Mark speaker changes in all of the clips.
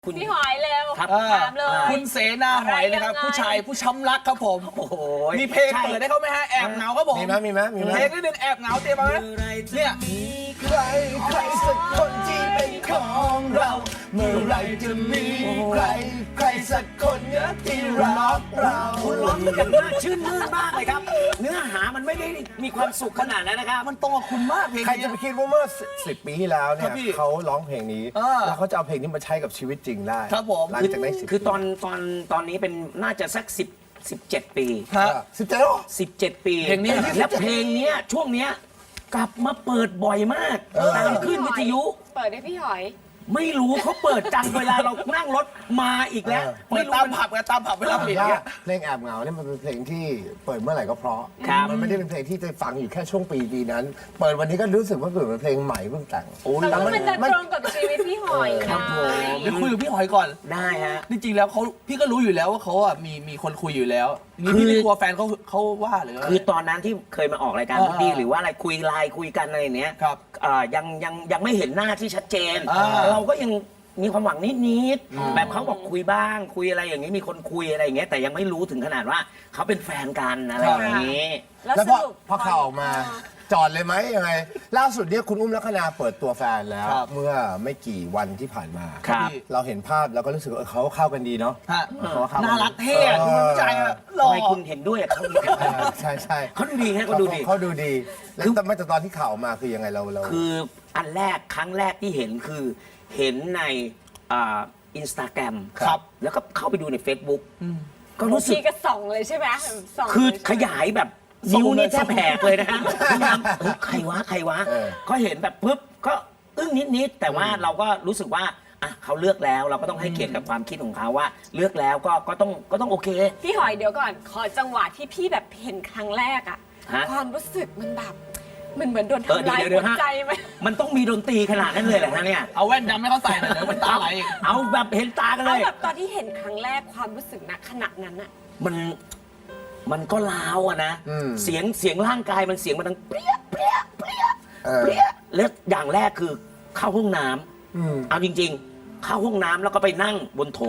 Speaker 1: พี่หอยเร็ว
Speaker 2: ครับ
Speaker 1: ถามเลย
Speaker 3: คุณเสนาหอยนะครับ
Speaker 1: อะไรยังไง
Speaker 3: ผู้ชายผู้ช้ำรักครับผม
Speaker 2: โอ้โห
Speaker 3: มีเพลงเปิดได้เขาไหมฮะแอบเหงาครับผม
Speaker 4: มีไหม
Speaker 3: เพลงนิดนึงแอบเหงาเตรียมมาไหมเนี่ย
Speaker 4: ใครสักคนที่เป็นของเรา เมื่อไรจะมีใครสักคนที่รักเรา
Speaker 2: คุณร้องอย่างน่าชื่นมื่นมากเลยครับ เนื้อหามันไม่ได้มีความสุขขนาดนั้นนะครับ
Speaker 3: มันตรงกับคุณมากเพลง
Speaker 4: ใคร
Speaker 3: นี้
Speaker 4: จะไปคิดว่าเมื่อ10 ปีที่แล้วเนี่
Speaker 3: ครั
Speaker 4: ย
Speaker 3: บพี่
Speaker 4: เขาร้องเพลงนี้ แล้วเขาจะเอาเพลงนี้มาใช้กับชีวิตจริงได้
Speaker 3: ครับผม
Speaker 4: หลังจากนั้น10
Speaker 2: คือตอนนี้เป็นน่าจะสัก17 ปี
Speaker 3: ฮะ
Speaker 2: 17 ปี
Speaker 3: เพลงนี้
Speaker 2: และเพลงเนี้ยช่วงเนี้ยกลับมาเปิดบ่อยมากตามขึ้นวิทยุ
Speaker 1: เปิดให้พี่หอย
Speaker 2: ไม่รู้เขาเปิดจังเวลาเรานั่งรถมาอีกแล้ว
Speaker 3: เปิ
Speaker 2: ไม่
Speaker 3: ด
Speaker 2: รู้
Speaker 3: ตาม
Speaker 2: มัน
Speaker 3: ผับกับตามผับเวลาปิด
Speaker 4: ว่า
Speaker 3: เนี่ย
Speaker 4: เพลงแอบเหงาเนี่ยมันเป็นเพลงที่เปิดเมื่อไหร่ก็เพราะ
Speaker 2: ครับ
Speaker 4: มันไม่ได้เป็นเพลงที่จะฟังอยู่แค่ช่วงปีนั้น เปิดวันนี้ก็รู้สึกว่าเปิดเป็นเพลงใหม่เพิ่งแต่ง
Speaker 1: แต่ว่ามันจะตรงกับชีวิตพี่หอย
Speaker 2: ครับผม
Speaker 3: เดี๋ยวคุยกับพี่หอยก่อน
Speaker 2: ได้ฮะ
Speaker 3: จริงๆแล้วพี่ก็รู้อยู่แล้วว่าเขาอ่ะมีคนคุยอยู่แล้วนี่พี่ไม่กลัวแฟนเขาว่าหรือว่า
Speaker 2: คือตอนนั้นที่เคยมาออกรายการ
Speaker 3: อ่า
Speaker 2: พุดดี้หรือว่าอะไรคุยไลน์คุยกันอะไรเนี้ย
Speaker 3: ครับ
Speaker 2: ยังไม่เห็นหน้าที่ชัดเจน
Speaker 3: อ่า
Speaker 2: เราก็ยังมีความหวังนิดๆแบบเขาบอกคุยบ้างคุยอะไรอย่างนี้มีคนคุยอะไรอย่างเงี้ยแต่ยังไม่รู้ถึงขนาดว่าเขาเป็นแฟนกันอะไรอย่างนี้
Speaker 1: แล้ว
Speaker 4: แล้ว
Speaker 1: ส
Speaker 4: พอ
Speaker 1: รุป
Speaker 4: พอข่าวออกมาจอดเลยไหมยังไง ล่าสุดเนี่ยคุณอุ้มลักษณาเปิดตัวแฟนแล้ว
Speaker 3: ครับ
Speaker 4: เมื่อไม่กี่วันที่ผ่านมา
Speaker 2: ครับ
Speaker 4: เราเห็นภาพแล้วก็รู้สึกว่าเขาเข้ากันดีเนาะ
Speaker 3: ฮะ
Speaker 4: เขาเข้ากั
Speaker 3: น่ารักเท่อะดูเป็นผู้ชายอะหล่
Speaker 2: ทำ
Speaker 3: อ
Speaker 2: ไมคุณเห็นด้วยกับเขาอีก
Speaker 4: ใช่ใช่
Speaker 2: เขาดูดีฮะเขาดูดี
Speaker 4: เขาดูดีแล้วแต่ตอนที่ข่าวออกมาคือยังไงเรา
Speaker 2: คืออันแรกครั้งแรกที่เห็นคือเห็นในอินสตาแกรม
Speaker 3: ครับ
Speaker 2: แล้วก็เข้าไปดูใน Facebook ก็รู้สึก
Speaker 1: พี่ก็ส่องเลยใช่ไหมส่อง
Speaker 2: คือ
Speaker 1: เลยใช่ไหม
Speaker 2: ขยายแบบนิ้วนี่แทบแหกเลยนะฮะพยายามใครวะ ก็เห็นแบบปุ๊บก็อึ้งนิดๆแต่ว่าเราก็รู้สึกว่าอ่ะเขาเลือกแล้วเราก็ต้องให้เกียรติกับความคิดของเขาว่า เลือกแล้วก็ต้องโอเค
Speaker 1: พี่หอยเดี๋ยวก่อน ขอจังหวะที่พี่แบบเห็นครั้งแรกอะ
Speaker 2: ฮะ
Speaker 1: ความรู้สึกมันแบบมันเหมือนโดน
Speaker 2: เออ
Speaker 1: ทำร้าย
Speaker 2: เดี๋ยว
Speaker 1: หัว
Speaker 2: ฮะ
Speaker 1: ใจไหม
Speaker 2: มันต้องมีดนตรีขนาดนั้นเลยเหรอฮะเนี่ย
Speaker 3: เอาแว่นดำให้เขาใส่หน่อยเดี๋ยวมันตาไหลอีก
Speaker 2: เอาแบบเห็นตากันเล
Speaker 1: เอา
Speaker 2: ย
Speaker 1: แบบตอนที่เห็นครั้งแรกความรู้สึกณขณะนั้นอะ
Speaker 2: มันก็ล้าวอะนะเสียงร่างกายมันเสียงมันดังเปรี้ยเปรี้ยเปรี้ย
Speaker 4: เออ
Speaker 2: เปรี้ยแล้วอย่างแรกคือเข้าห้องน้ำเอาจริง ๆ เข้าห้องน้ำแล้วก็ไปนั่งบนโถ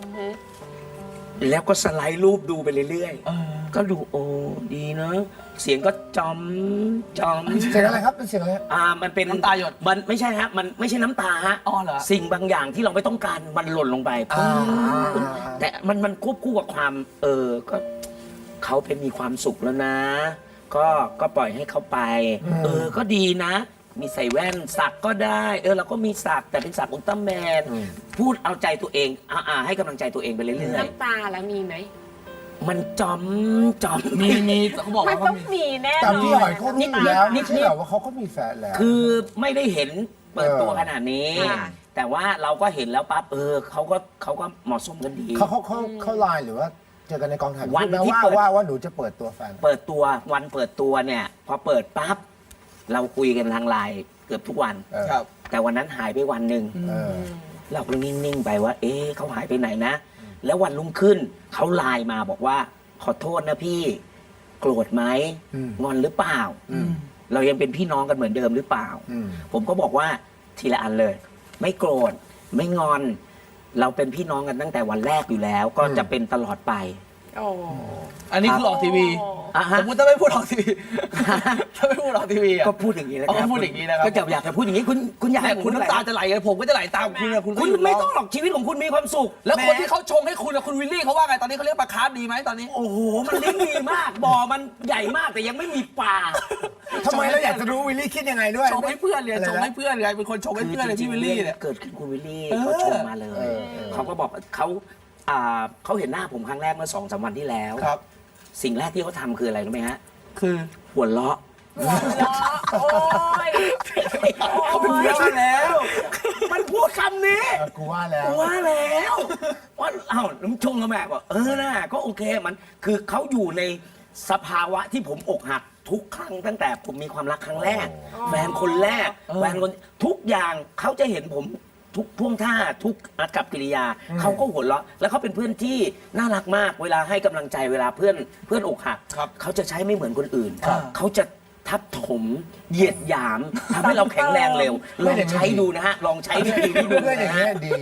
Speaker 2: แล้วก็สไลด์รูปดูไปเรื่อยๆก็ดูโอ้ดีเนอะเสียงก็จอม
Speaker 4: เสียงอะไรครับเป็นเสียงอะไร
Speaker 2: มันเป็น
Speaker 3: น้ำตาหยด
Speaker 2: มันไม่ใช่ฮะมันไม่ใช่น้ำตาฮะ
Speaker 3: อ๋อเหรอ
Speaker 2: สิ่งบางอย่างที่เราไม่ต้องการมันหล่นลงไป แต่มันควบคู่กับความก็เขาเป็นมีความสุขแล้วนะ ก็ปล่อยให้เขาไป ก็ดีนะ มีใส่แว่นสักก็ได้เราก็มีสักแต่เป็นสักอุลตร้าแมนพูดเอาใจตัวเองให้กำลังใจตัวเองไปเรื่อย
Speaker 1: น้ำตาแล้วมีไหม
Speaker 2: ๆมันจอม
Speaker 3: มีเขาบอก
Speaker 1: มัน
Speaker 3: ว่า
Speaker 1: ต้องมีแน่
Speaker 4: แต่
Speaker 1: นอ
Speaker 4: พี่หอน ยเขารู้อยู่แล้ว
Speaker 2: นิ
Speaker 4: ไม่
Speaker 2: ดๆ
Speaker 4: ใช่เหรอว่าเขาก็มีแฟนแล้ว
Speaker 2: คือไม่ได้เห็นเปิดตัวขนาดนี้
Speaker 1: ค่ะ
Speaker 2: แต่ว่าเราก็เห็นแล้วปั๊บเขาก็เหมาะสมกันดี
Speaker 4: เขาไลน์หรือว่าเจอกันในกองถ่าย
Speaker 2: วัน
Speaker 4: พูดไหม
Speaker 2: ที่เปิด
Speaker 4: ว่าหนูจะเปิดตัวแฟน
Speaker 2: เปิดตัววันเปิดตัวเนี่ยพอเปิดปั๊บเราคุยกันทางไลน์เกือบทุกวัน
Speaker 3: ครับ
Speaker 2: แต่วันนั้นหายไปวันหนึ่ง
Speaker 4: เออ
Speaker 2: เราก็นิ่งๆไปว่า เขาหายไปไหนนะ แล้ววันรุ่งขึ้นเขาไลน์มาบอกว่า ขอโทษนะพี่ โกรธไหมงอนหรือเปล่า เรายังเป็นพี่น้องกันเหมือนเดิมหรือเปล่า ผมก็บอกว่าทีละอันเลย ไม่โกรธไม่งอน เราเป็นพี่น้องกันตั้งแต่วันแรกอยู่แล้ว ก็จะเป็นตลอดไป
Speaker 1: โอ้
Speaker 3: อันนี้คือออกทีวี
Speaker 2: อ่ะฮะ
Speaker 3: สมมติถ้าไม่พูดออกทีวีถ้าไม่พูดออกทีวีอ่ะ
Speaker 2: ก็พูดอย่างนี้แหละ
Speaker 3: อ๋อพูดอย่างนี้นะครับ
Speaker 2: ก็จะอยากจะพูดอย่างนี้คุณอยาก
Speaker 3: แต่
Speaker 2: ให้
Speaker 3: คุณน้ำตาจะไหลเลยผมก็จะไหลตามคุณอะคุณก็
Speaker 2: คุณ
Speaker 3: หยุด
Speaker 2: ไม่
Speaker 3: ร้
Speaker 2: ต้องหรอกชีวิตของคุณมีความสุข
Speaker 3: แล้วคน
Speaker 2: หม
Speaker 3: ที่เขาชงให้คุณอะคุณวิลลี่เขาว่าไงตอนนี้เขาเรียกปลาคาร์ฟดีไหมตอนนี้
Speaker 2: โอ้โห มันเลี้ยงดีมาก บ่อมันใหญ่มากแต่ยังไม่มีปลา
Speaker 4: ทำไมเราอยากจะรู้วิลลี่คิดยังไงด้วย
Speaker 3: ชงให้เพื่อนเลยชงให้เพื่อนเลยเป็นคนชงให้เพื่อนเลยที่วิลลี่เนี่ย
Speaker 2: เกิดขึ้นคุณวิลลี่
Speaker 3: เออ
Speaker 2: เขาชมมาเลย เขาก็บอกเขาเห็นหน้าผมครั้งแรกเมื่อ2-3 วันที่แล้ว
Speaker 3: ครับ
Speaker 2: สิ่งแรกที่เขาทำคืออะไรรู้ไหมฮะ
Speaker 3: คือ
Speaker 2: หัวเราะ
Speaker 1: ล้อโอ้ย
Speaker 2: เขาเป็นเพื่อนกันแล้ว มันพูดคำนี้
Speaker 4: กูว่าแล้ว
Speaker 2: ว่าแล้วว่าน้ำชงกระแม่บอกน่ะก็โอเคมันคือเขาอยู่ในสภาวะที่ผมอกหักทุกครั้งตั้งแต่ผมมีความรักครั้งแรก แฟนคนแรกแฟนคนทุกอย่างเขาจะเห็นผมทุกท่วงท่าทุกอากับกิริยาเขาก็หัวเราะแล้วเขาเป็นเพื่อนที่น่ารักมากเวลาให้กำลังใจเวลาเพื่อนอกหัก
Speaker 3: ครับ
Speaker 2: เขาจะใช้ไม่เหมือนคนอื่น
Speaker 3: ครับ
Speaker 2: เขาจะทับถมเหยียดหยามทำให้เราแข็งแรงเร็วลองใช้ดูนะฮะลองใช้วิธีนี้ดู
Speaker 4: เพื่อนอย่าง
Speaker 2: นะ
Speaker 4: เงี้
Speaker 2: ฮะ
Speaker 4: ยดี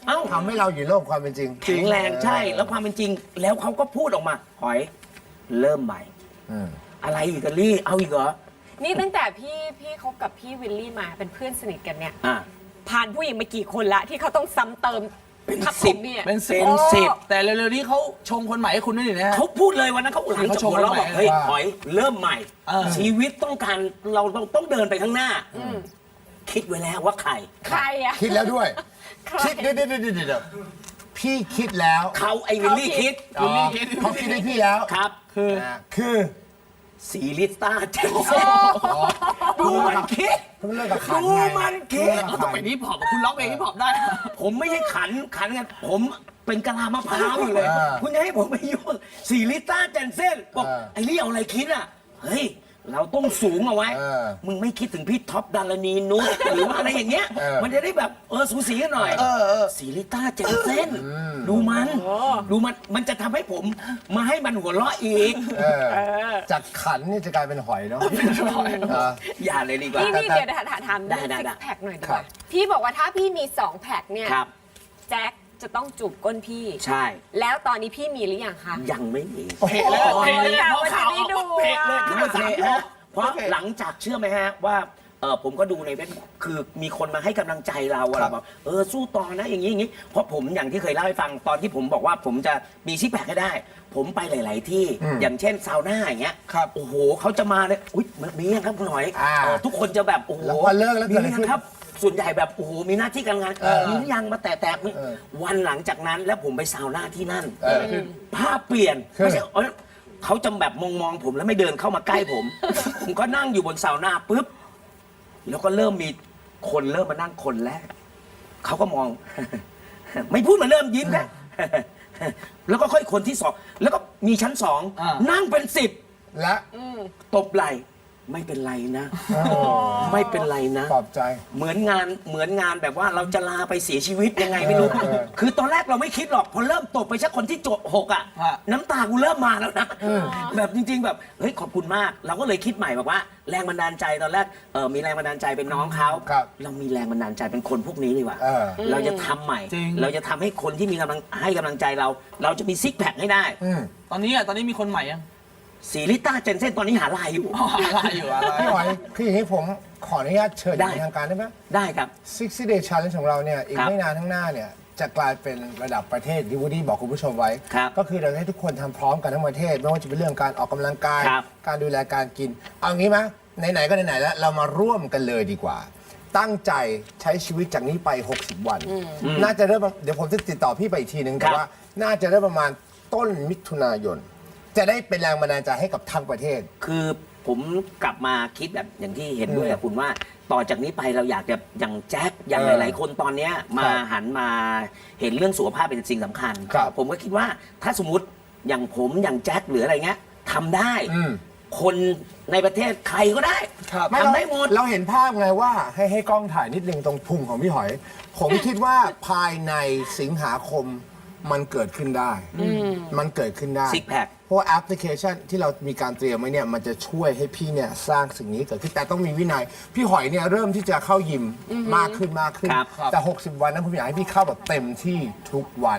Speaker 2: เอ้า
Speaker 4: ทำให้เราอยู่โลกความเป็นจริง
Speaker 2: แข็งแรงใช่แล้วความเป็นจริง แล้วเขาก็พูดออกมาหอยเริ่มใหม่
Speaker 4: อืม
Speaker 2: อะไรอีกอะลี่เอาอีกเหรอ
Speaker 1: นี่ตั้งแต่พี่คบกับพี่วิลลี่มาเป็นเพื่อนสนิทกันเนี่ย
Speaker 2: อ่ะ
Speaker 1: ผ่านผู้หญิงมากี่คนละที่เขาต้องซ้ำเติม
Speaker 2: เป็น
Speaker 1: ทับ
Speaker 2: สิ
Speaker 1: ผ
Speaker 2: บ
Speaker 1: มเนี่ย
Speaker 3: เป็นสิบ
Speaker 2: เป็นสิบ
Speaker 3: แต่เร็วๆนี้เขาชงคนใหม่ให้คุณด้วยนี่นะฮะ
Speaker 2: เขาพูดเลยวันนั้นเขาหลังจากหัวเราะบอกเฮ้ยหอยเริ่มใหม่
Speaker 3: เออ
Speaker 2: ชีวิตต้องการเราต้องเดินไปข้างหน้าคิดไว้แล้วว่าใคร
Speaker 1: ใครอะ
Speaker 4: คิดแล้วด้วย
Speaker 1: ใคร
Speaker 4: คิดเดี๋ยวพี่คิดแล้ว
Speaker 2: เขาไอ้วิลลี่คิด
Speaker 4: อ๋อเขาคิดให้พี่แล้ว
Speaker 2: ครับ
Speaker 4: คือ
Speaker 2: สีลิต้าเจนเซ่ดูมันคิด
Speaker 4: เพิ่งเลิกกับขัน
Speaker 2: ดู
Speaker 4: ไง
Speaker 2: มันคิด
Speaker 3: เขาต้องไปฮิปฮอปคุณร้องเพลงฮิปฮอปได้
Speaker 2: ผมไม่ใช่ขันไงผมเป็นกะลามะพร้าวอยู่เลย คุณจะให้ผมไปยุ่งสีลิต้าเจนเซ่บอกไอ้นี่เอาอะไรคิดอ่ะเฮ้ยเราต้องสูงเอาไว้ มึงไม่คิดถึงพี่ท็อปดารณีนุชหรือว่าอะไรอย่างเงี้ย มันจะได้แบบสูสีกันหน่อยสีลิต้าเจนเซ่นดูมันจะทำให้ผมมาให้มันหัวเราะอีก
Speaker 4: จากขันนี่จะกลายเป็นหอยเนาะ
Speaker 2: อย่าเลยดีกว่า
Speaker 1: นี่เดี๋ยวถาม
Speaker 2: ได้
Speaker 1: ซิ
Speaker 2: ได้
Speaker 1: กแพคหน่อยดี
Speaker 4: ครั
Speaker 1: กว่า
Speaker 4: บ
Speaker 1: พี่บอกว่าถ้าพี่มี2แพคเนี่ย
Speaker 2: ครับ
Speaker 1: แจ็คจะต้องจูบก้นพี่
Speaker 2: ใช่
Speaker 1: แล้วตอนนี้พี่มีหรือยังคะ
Speaker 2: ยังไม่มี
Speaker 3: เพลเลยเพลเลย
Speaker 1: โอ้ย
Speaker 3: พอข่าว
Speaker 1: จะได้ดู
Speaker 3: เพลเลย
Speaker 1: อะ
Speaker 3: ขึ้น
Speaker 2: ไม่
Speaker 3: มา
Speaker 2: เพ
Speaker 3: สาม
Speaker 2: ล
Speaker 3: รอ
Speaker 2: ฮะ
Speaker 3: บ
Speaker 2: เพราะหลังจากเชื่อไหมฮะว่าผมก็ดูในเว็บคือมีคนมาให้กำลังใจเราอะ
Speaker 4: ครับ
Speaker 2: บอกสู้ต่อนะอย่างนี้อย่างนี้เพราะผมอย่างที่เคยเล่าให้ฟังตอนที่ผมบอกว่าผมจะมีซิกแพคให้ได้ ผมไปหลาย ๆ ที่อย่างเช่นซาวน่าอย่างเงี้ย
Speaker 3: ครับ
Speaker 2: โอ้โหเขาจะมาเนี่ยอุ้ยมียังครับคุณหอย
Speaker 4: อ่า
Speaker 2: ทุกคนจะแบบโอ้โห
Speaker 4: แล้วพอเลิกแล้ว
Speaker 2: มี
Speaker 4: เกิดอะไร
Speaker 2: ยัง
Speaker 4: ขึ้น
Speaker 2: ครับ ส่วนใหญ่แบบโอ้โหมีหน้าที่การงานมีหรือยังมาแตะวันหลังจากนั้นแล้วผมไปซาวน่าที่นั่นภาพเปลี่ยนไม่ใช่เขาจะแบบมองผมแล้วไม่เดินเข้ามาใกล้ผม ผมก็นั่งอยู่บนซาวน่าปุ๊บ แล้วก็เริ่มมีคนเริ่มมานั่งคนแรก เขาก็มอง ไม่พูดมาเริ่มยิ้มแค่ แล้วก็ค่อยคนที่สอง แล้วก็มีชั้นสอง
Speaker 3: อ่า
Speaker 2: นั่งเป็น10
Speaker 4: และ
Speaker 2: ตบไหล่ไม่เป็นไรนะ ไม่เป็นไรนะ
Speaker 4: ปลอบใจ
Speaker 2: เหมือนงานแบบว่าเราจะลาไปเสียชีวิตยังไงไม่รู้ คือตอนแรกเราไม่คิดหรอก พอเริ่มตบไปชักคนที่6อ่ะ
Speaker 3: ฮะ
Speaker 2: น้ำตากูเริ่มมาแล้วนะ แบบจริง ๆ แบบเฮ้ยขอบคุณมาก เราก็เลยคิดใหม่บอกว่า แรงบันดาลใจตอนแรกมีแรงบันดาลใจเป็นน้องเขา
Speaker 4: ครับ
Speaker 2: เรามีแรงบันดาลใจเป็นคนพวกนี้ดีกว่า เราจะทำใหม่
Speaker 3: จริง
Speaker 2: เราจะทำให้คนที่มีให้กำลังใจเรา เราจะมีซิกแพคให้ได้
Speaker 3: ตอนนี้มีคนใหม่ยัง
Speaker 2: สีลิต้าเจนเซ่นตอนนี้หาลายอยู่
Speaker 3: อะไรอยู่อะไร
Speaker 4: พี่หอยคืออย่างนี้ผมขออนุญาตเชิญ
Speaker 2: ได้
Speaker 4: ในทางการได้ไหม
Speaker 2: ได้ครับ
Speaker 4: 60 Day Challenge ของเราเนี่ยอีก
Speaker 2: ครับ
Speaker 4: ไม่นานข้างหน้าเนี่ยจะกลายเป็นระดับประเทศที่วูดดี้บอกคุณผู้ชมไว้
Speaker 2: ครับ
Speaker 4: ก็คือเราจะให้ทุกคนทำพร้อมกันทั้งประเทศ ไม่ว่าจะเป็นเรื่องการออกกำลังกาย
Speaker 2: ครับ
Speaker 4: การดูแลการกิน เอางี้ไหมไหนๆก็ไหนๆแล้วเรามาร่วมกันเลยดีกว่า ตั้งใจใช้ชีวิตจากนี้ไป 60 วัน น่าจะเริ่มเดี๋ยวผมจะติดต่อพี่ไปอีกทีนึง
Speaker 2: ค
Speaker 4: แต่
Speaker 2: รับ
Speaker 4: ว่าน่าจะเริ่มประมาณต้นมิถุนายน จะได้เป็นแรงบันดาลใจให้กับทั้งประเทศ
Speaker 2: คือผมกลับมาคิดแบบอย่างที่เห็นด้วยกับคุณว่า ต่อจากนี้ไปเราอยากจะอย่างแจ็คอย่างหลาย ๆ คนตอนเนี้ยมาหันมาเห็นเรื่องสุขภาพเป็นสิ่งสำคัญ
Speaker 4: ครับ
Speaker 2: ผมก็คิดว่าถ้าสมมติอย่างผมอย่างแจ็คหรืออะไรเงี้ยทำได้
Speaker 4: อืม
Speaker 2: คนในประเทศใครก็ได้
Speaker 3: ครับ
Speaker 4: ไม่
Speaker 2: ทำได้หมด
Speaker 4: เราเห็นภาพไงว่าให้กล้องถ่ายนิดนึงตรงพุงของพี่หอย ผมคิดว่าภายในสิงหาคมมันเกิดขึ้นได้ มันเกิดขึ้นได้
Speaker 2: Six pack
Speaker 4: เพราะว่าแอปพลิเคชันที่เรามีการเตรียมไว้เนี่ยมันจะช่วยให้พี่เนี่ยสร้างสิ่งนี้เกิดขึ้นแต่ต้องมีวินัย พี่หอยเนี่ยเริ่มที่จะเข้ายิมมากขึ้น
Speaker 2: ครับ
Speaker 4: แต่ 60 วันนั้นผมอยากให้พี่เข้าแบบเต็มที่ทุกวัน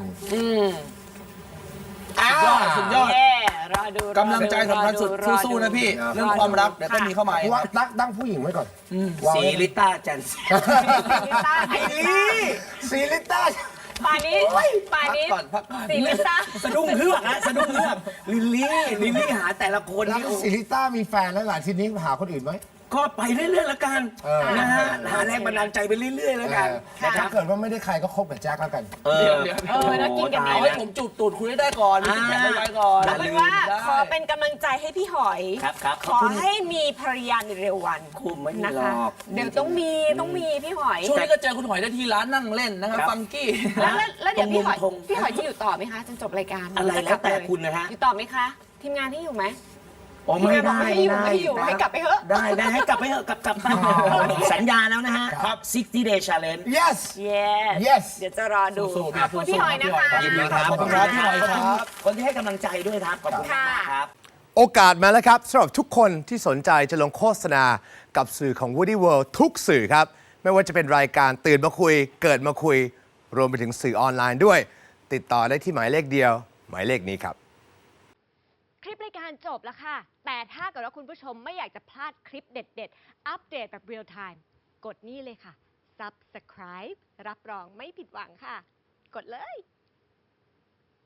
Speaker 3: สุดยอด
Speaker 1: เย้รอดู
Speaker 3: กำลังใจสำคัญสุด
Speaker 1: รอ
Speaker 3: สู้ๆนะพี่
Speaker 4: ครับ
Speaker 3: เรื่องความรักเดี๋ยวต้องมีเข้ามาเอง
Speaker 4: ว่าตั้งผู้หญิงไว้ก่อนวาง
Speaker 2: สี
Speaker 4: ไว้
Speaker 2: ลิต้าเจนเซ่น
Speaker 1: ลิต้า
Speaker 2: ไอ้ลี่
Speaker 4: ซีลิต้า
Speaker 1: ป่านนี้ป่านนี้
Speaker 3: พักก่อน
Speaker 1: สีลิต้า
Speaker 2: สะดุ้งเฮือกฮะสะดุ้งเฮือกลิลลี่หาแต่ละคน
Speaker 4: แล้ว
Speaker 2: นี่โอ้
Speaker 4: ซีลิต้ามีแฟนแล้วหลานทีนี้หาคนอื่นไหม
Speaker 2: ก็ไปเรื่อยๆแล้วกัน นะฮะหาแรงบันดาลใจไปเรื่อยๆแล้วกัน
Speaker 4: แต่ถ้าเกิดว่าไม่ได้ใครก็คบกับแจ็คแล้วกัน
Speaker 3: เดี๋ยว
Speaker 1: แล้วกินกัน
Speaker 2: ตา
Speaker 1: ไห
Speaker 3: เอา
Speaker 1: น
Speaker 3: ให้ผมจูบตูดคุยได้ก่อนมีสิ่งแข็งไว้ก่อน
Speaker 1: เอาเป็นว่า
Speaker 3: ได้
Speaker 1: ขอเป็นกำลังใจให้พี่หอย
Speaker 2: ครับ
Speaker 1: ขอให้มีภรรยาในเร็ววัน
Speaker 2: คุมไม่มี
Speaker 1: นะ
Speaker 2: หร
Speaker 1: คะ
Speaker 2: อก
Speaker 1: เดี๋ยวต้องมีพี่หอย
Speaker 3: ช่วงนี้ก็เจอคุณหอยได้ที่ร้านนั่งเล่นนะครับ
Speaker 2: ครับ
Speaker 3: ฟังกี้
Speaker 1: แล้วเดี๋ยวพี่หอย
Speaker 2: ตรงมุมธง
Speaker 1: พี่หอยจะอยู่ต่อไหมคะจนจบรายการ
Speaker 2: อะไรแล้วแต่คุณนะฮะ
Speaker 1: อยู่ต่อไหมคะ ทีมงานที่อยู่ไหม
Speaker 2: อ๋อไม่ได้
Speaker 1: ไม่อยู่ให้กลับไปเถอะ
Speaker 2: ได้ให้กลับไปเถอะกลับไปสัญญาแล้วนะฮะ
Speaker 4: ครับ
Speaker 2: 60 day challenge
Speaker 4: yes
Speaker 1: yes เดี๋ยวจะรอดู
Speaker 3: สู้ๆ
Speaker 1: ขอบคุณพี่หอยนะคะ
Speaker 2: ยินดีครับ
Speaker 3: ขอบคุณครับพี่หอยครับ
Speaker 2: คนที่ให้กำลังใจด้วยครับ ขอบคุณมากครับ
Speaker 4: โอกาสมาแล้วครับสำหรับทุกคนที่สนใจจะลงโฆษณากับสื่อของ Woody World ทุกสื่อครับ ไม่ว่าจะเป็นรายการตื่นมาคุย เกิดมาคุยรวมไปถึงสื่อออนไลน์ด้วย ติดต่อได้ที่หมายเลขเดียว หมายเลขนี้ครับ
Speaker 5: คลิปรายการจบแล้วค่ะ แต่ถ้าเกิดว่าคุณผู้ชมไม่อยากจะพลาดคลิปเด็ดๆ อัปเดตแบบเรียลไทม์กดนี่เลยค่ะ Subscribe รับรองไม่ผิดหวังค่ะ กดเลย